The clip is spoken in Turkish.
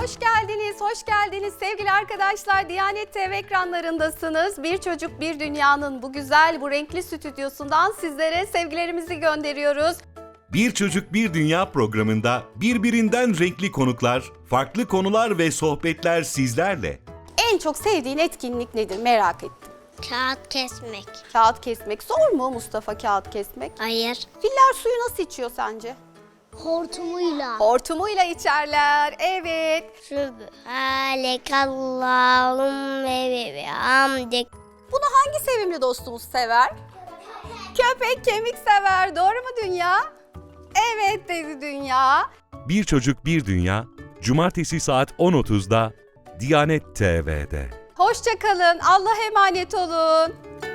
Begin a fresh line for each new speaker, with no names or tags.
hoş geldiniz, hoş geldiniz sevgili arkadaşlar. Diyanet TV ekranlarındasınız. Bir Çocuk Bir Dünya'nın bu güzel, bu renkli stüdyosundan sizlere sevgilerimizi gönderiyoruz.
Bir Çocuk Bir Dünya programında birbirinden renkli konuklar, farklı konular ve sohbetler sizlerle.
En çok sevdiğin etkinlik nedir merak ettim.
Kağıt kesmek.
Kağıt kesmek. Zor mu Mustafa kağıt kesmek?
Hayır.
Filler suyu nasıl içiyor sence?
Hortumuyla.
Hortumuyla içerler. Evet.
Sübhanekallahümme ve bihamdik.
Bunu hangi sevimli dostumuz sever? Köpek kemik sever. Doğru mu Dünya? Evet dedi Dünya.
Bir Çocuk Bir Dünya, Cumartesi saat 10.30'da Diyanet TV'de.
Hoşça kalın. Allah'a emanet olun.